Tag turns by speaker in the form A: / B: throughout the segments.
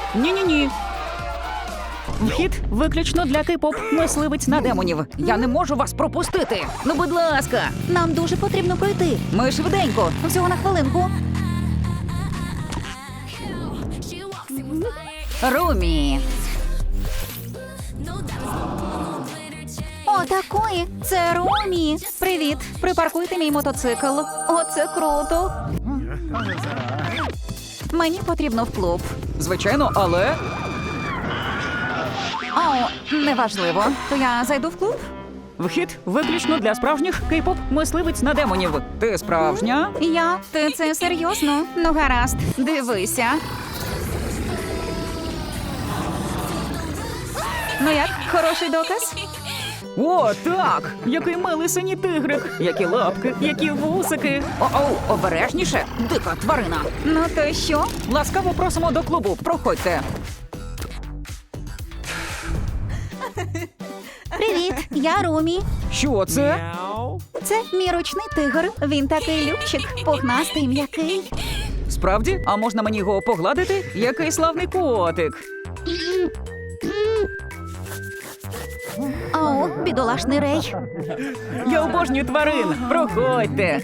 A: Ні-ні-ні. Вхід виключно для кей-поп мисливець на демонів. Я не можу вас пропустити. Ну, будь ласка.
B: Нам дуже потрібно пройти.
A: Ми швиденько.
B: Всього на хвилинку.
A: Румі.
B: О, такої. Це Румі. Привіт. Припаркуйте мій мотоцикл. О, це круто. Мені потрібно в клуб.
A: Звичайно, але...
B: О, неважливо. То я зайду в клуб?
A: Вхід виключно для справжніх кей-поп мисливець на демонів. Ти справжня?
B: Ти це серйозно? Ну, гаразд. Дивися. Ну як, хороший доказ?
A: О, так! Який милий синій тигрик! Які лапки, які вусики! О-оу, обережніше, дика тварина!
B: Ну то що?
A: Ласкаво просимо до клубу, проходьте!
B: Привіт, я Румі.
A: Що це?
B: Це мій ручний тигр. Він такий любчик, пухнастий, м'який.
A: Справді? А можна мені його погладити? Який славний котик!
B: О, бідолашний Рей.
A: Я обожнюю тварин! Проходьте!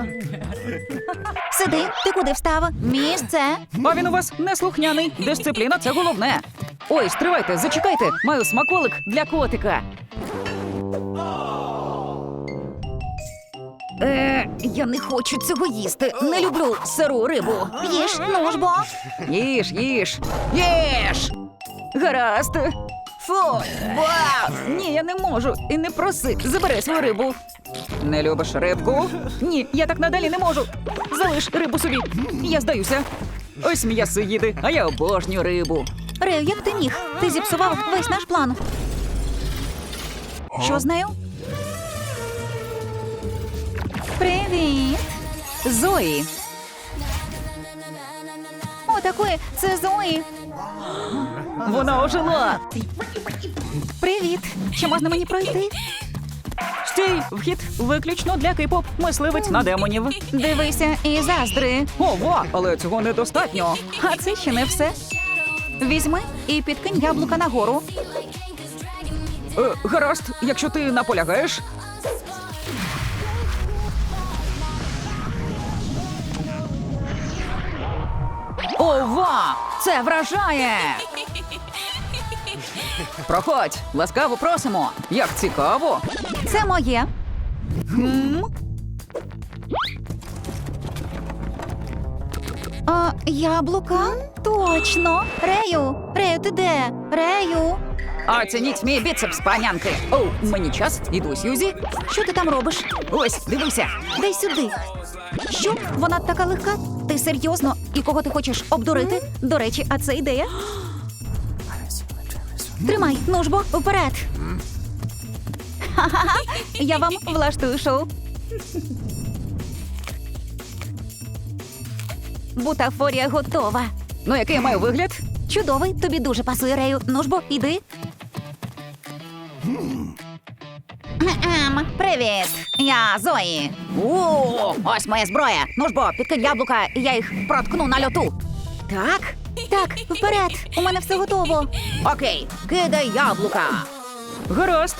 B: Сиди, ти куди встав? Місце.
A: А він у вас неслухняний. Дисципліна – це головне. Ой, стривайте, зачекайте. Маю смаколик для котика. Я не хочу цього їсти. Не люблю сиру рибу.
B: Їж, ну ж бо.
A: Їж, їж. Їж! Гаразд. Фу! Ба! Ні, я не можу. І не проси. Забери свою рибу. Не любиш рибку? Ні, я так надалі не можу. Залиш рибу собі. Я здаюся. Ось м'ясоїди, а я обожнюю рибу.
B: Рею, як ти міг? Ти зіпсував весь наш план. Що з нею? Привіт.
A: Зої.
B: О, такої, це Зої.
A: Вона ожила.
B: Привіт. Чи можна мені пройти?
A: Стій, вхід виключно для кей-поп мисливець на демонів.
B: Дивися і заздри.
A: Ова, але цього недостатньо.
B: А це ще не все. Візьми і підкинь яблука нагору.
A: Гаразд, якщо ти наполягаєш. Ова! Це вражає! Проходь, ласкаво просимо. Як цікаво.
B: Це моє. Яблука? Точно. Рею, ти де? Рею.
A: Оцініть мій біцепс, панянки. Оу, мені час. Іду, Сьюзі.
B: Що ти там робиш?
A: Ось, дивися.
B: Дай сюди. Що? Вона така легка? Ти серйозно? І кого ти хочеш обдурити? До речі, а це ідея? Тримай, ну ж бо, вперед. Ха-ха-ха, я вам влаштую шоу. Бутафорія готова.
A: Ну, який я маю вигляд?
B: Чудовий, тобі дуже пасує, Рею. Ну ж бо, іди. Привіт, я Зої.
A: О, ось моя зброя. Ну ж бо, підкинь яблука, і я їх проткну на льоту. Так?
B: Так, вперед, у мене все готово.
A: Окей, кидай яблука. Гаразд.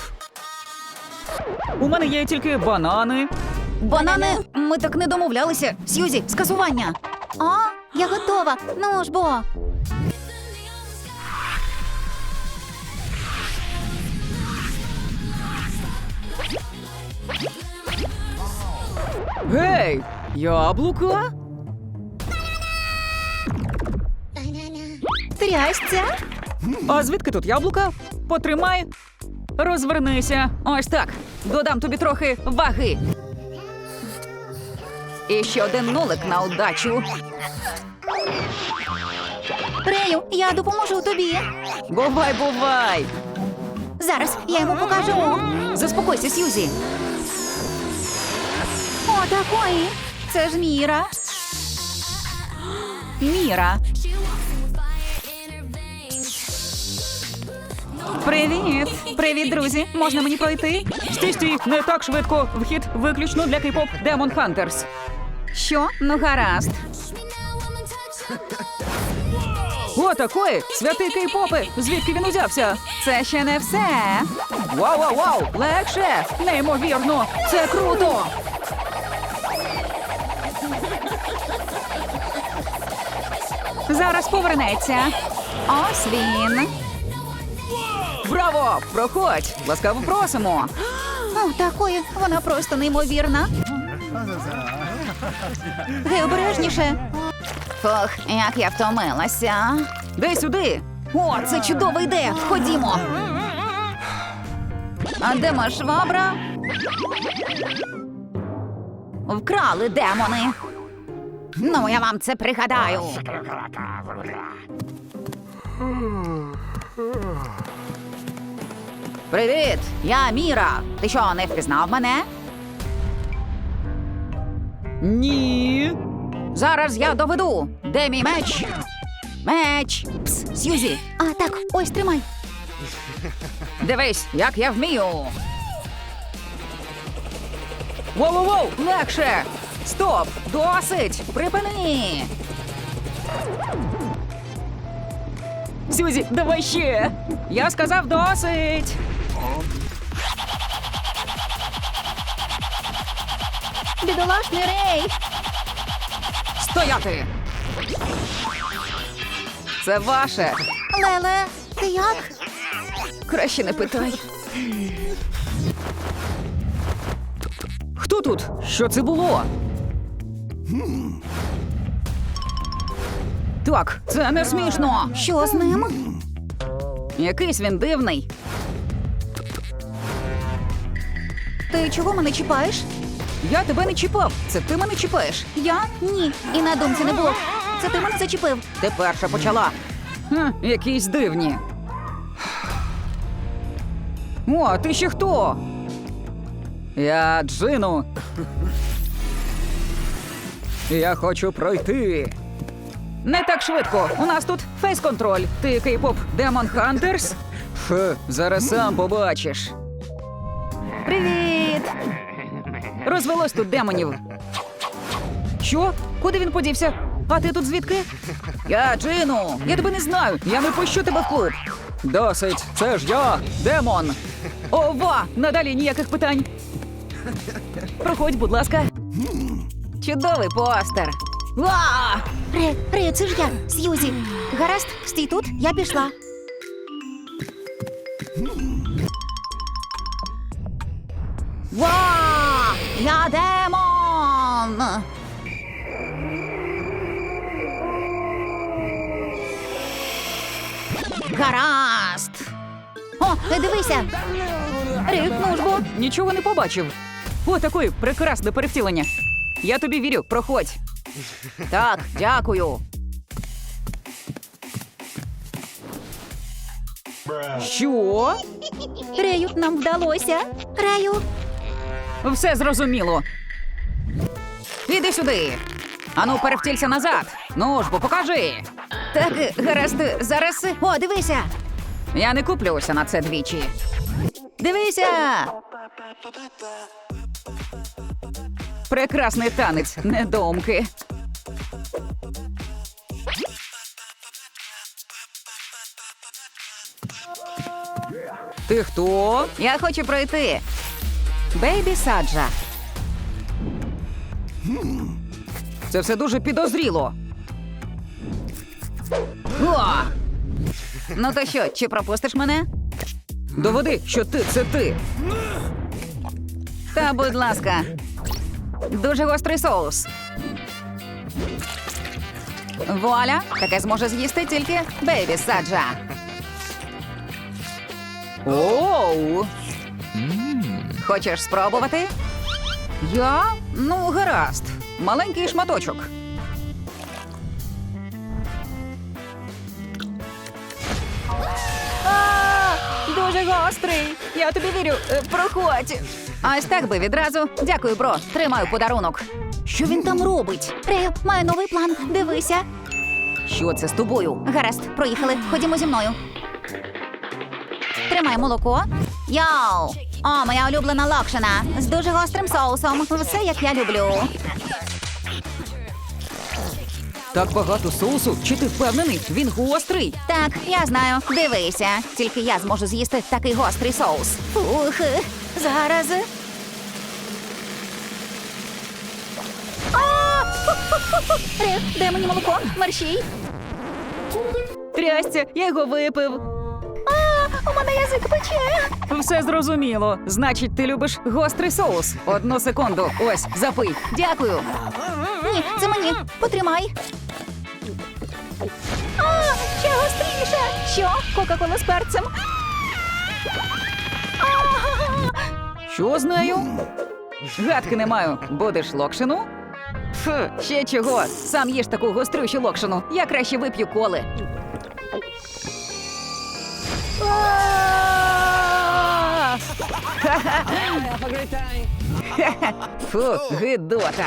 A: У мене є тільки банани.
B: Банани?
A: Ми так не домовлялися.
B: Сьюзі, скасування. О, я готова. Ну ж бо.
A: Гей, яблука?
B: Трясця.
A: А звідки тут яблука? Потримай. Розвернися. Ось так. Додам тобі трохи ваги. І ще один нулик на удачу.
B: Рею, я допоможу тобі.
A: Бувай, бувай.
B: Зараз я йому покажу.
A: Заспокойся, Сьюзі.
B: О, такої. Це ж Міра.
A: Міра.
B: Привіт. Привіт, друзі. Можна мені пройти?
A: Стій, не так швидко. Вхід виключно для кей-поп Demon Hunters.
B: Що? Ну, гаразд.
A: О, такої! Святий кей-попи! Звідки він узявся?
B: Це ще не все.
A: Вау! Легше! Неймовірно! Це круто!
B: Зараз повернеться. Ось він.
A: Браво! Проходь! Ласкаво просимо!
B: О, такої, вона просто неймовірна. Гей, обережніше. Фух, як я втомилася.
A: Дай сюди!
B: О, це чудова ідея. Ходімо. А де моя швабра? Вкрали демони. Ну, я вам це пригадаю. Привіт, я Міра. Ти що, не впізнав мене?
A: Ні!
B: Зараз я доведу. Де мій меч? Меч. Пс, Сьюзі. А, так, ось тримай.
A: Дивись, як я вмію! Воу! Легше! Стоп! Досить! Припини! Сюзі, давай ще! Я сказав досить!
B: Бідолашний Рей.
A: Стояти! Це ваше!
B: Леле, ти як?
A: Краще не питай. Хто тут? Що це було? Так, це не смішно.
B: Що з ним?
A: Якийсь він дивний.
B: Ти чого мене чіпаєш?
A: Я тебе не чіпав. Це ти мене чіпаєш.
B: Я? Ні. І на думці не було. Це ти мене зачепив.
A: Ти перша почала. Якісь дивні. О, а ти ще хто? Я Джину. Я хочу пройти. Не так швидко. У нас тут фейс-контроль. Ти кей-поп Демон Хантерс? Зараз сам побачиш.
B: Привіт.
A: Розвелось тут демонів. Що? Куди він подівся? А ти тут звідки? Я Джину. Я тебе не знаю. Я не пущу тебе в клуб. Досить. Це ж я, демон. Ова! Надалі ніяких питань. Проходь, будь ласка. Чудовий постер. Ва!
B: Ре, це ж я, Сьюзі. Гаразд, стій тут, я пішла. Ва! Я демон! Гаразд! О, дивися! Рик, ну ж бо!
A: Нічого не побачив. О, такої прекрасне перевтілення. Я тобі вірю, проходь. Так, дякую. Що?
B: Рею, нам вдалося. Рею.
A: Все зрозуміло. Іди сюди. Ану, перевтілься назад. Ну ж, бо покажи.
B: Так, гаразд, зараз. О, дивися.
A: Я не куплюся на це двічі.
B: Дивися.
A: Прекрасний танець, недоумки. Ти хто?
B: Я хочу пройти.
A: Бейбі Саджа. Це все дуже підозріло. О!
B: Ну то що, чи пропустиш мене?
A: Доведи, що ти – це ти.
B: Та, будь ласка. Дуже гострий соус. Вуаля, таке зможе з'їсти тільки Бейбі Саджа.
A: Оу!
B: Хочеш спробувати?
A: Я? Ну, гаразд. Маленький шматочок.
B: Дуже гострий. Я тобі вірю. Проходь. Ось так би відразу. Дякую, бро. Тримаю подарунок. Що він там робить? Рею, маю новий план. Дивися.
A: Що це з тобою?
B: Гаразд, проїхали. Ходімо зі мною. Тримай молоко. Йоу! О, моя улюблена локшина. З дуже гострим соусом. Все, як я люблю.
A: Так багато соусу? Чи ти впевнений? Він гострий.
B: Так, я знаю. Дивися. Тільки я зможу з'їсти такий гострий соус. Ух, зараз. Де мені молоко? Мерщій.
A: Трясця, я його випив.
B: У мене язик пече.
A: Все зрозуміло. Значить, ти любиш гострий соус. 1 секунду. Ось, запий.
B: Дякую. Ні, це мені. Потримай. Ще гостріше. Що? Кока-кола з перцем?
A: Що з нею? Гадки не маю. Будеш локшину? Фу, ще чого. Сам їж таку гострющу локшину. Я краще вип'ю коли. Фу, гидота.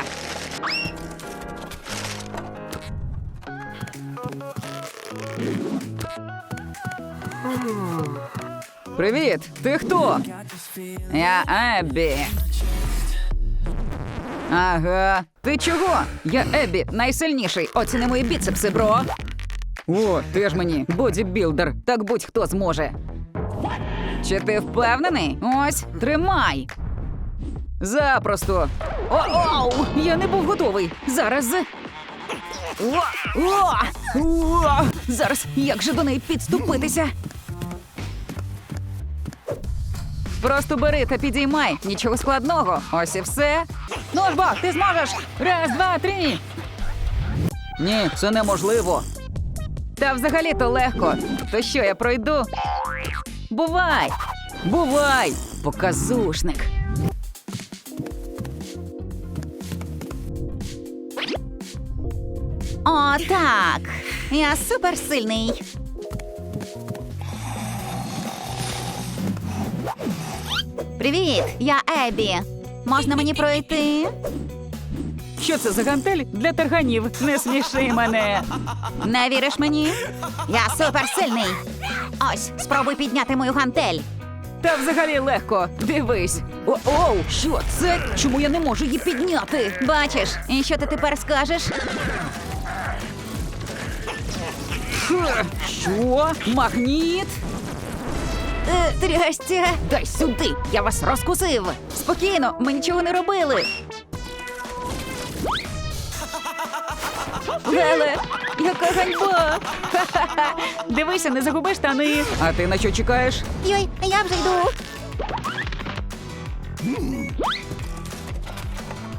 A: Привіт, ти хто? Я Еббі. Ага. Ти чого? Я Еббі, найсильніший. Оціни мої біцепси, бро. О, ти ж мені бодібілдер. Так будь-хто зможе. Чи ти впевнений? Ось, тримай. Запросто. Оу, я не був готовий. Зараз. Зараз, як же до неї підступитися? Просто бери та підіймай. Нічого складного. Ось і все. Ну ж бо, ти зможеш. 1, 2, 3. Ні, це неможливо. Та взагалі-то легко. То що, я пройду? Бувай! Бувай! Показушник.
B: О, так. Я суперсильний. Привіт, я Еббі. Можна мені пройти?
A: Що це за гантель для тарганів? Не сміши мене.
B: Не віриш мені? Я суперсильний. Ось, спробуй підняти мою гантель.
A: Та взагалі легко. Дивись. Оу, що це? Чому я не можу її підняти?
B: Бачиш, і що ти тепер скажеш?
A: Що? Магніт?
B: Трясця.
A: Дай сюди, я вас розкусив.
B: Спокійно, ми нічого не робили.
A: Геле, яка ганьба! Ха-ха-ха. Дивися, не загуби штани. А ти на що чекаєш?
B: Йой, я вже йду.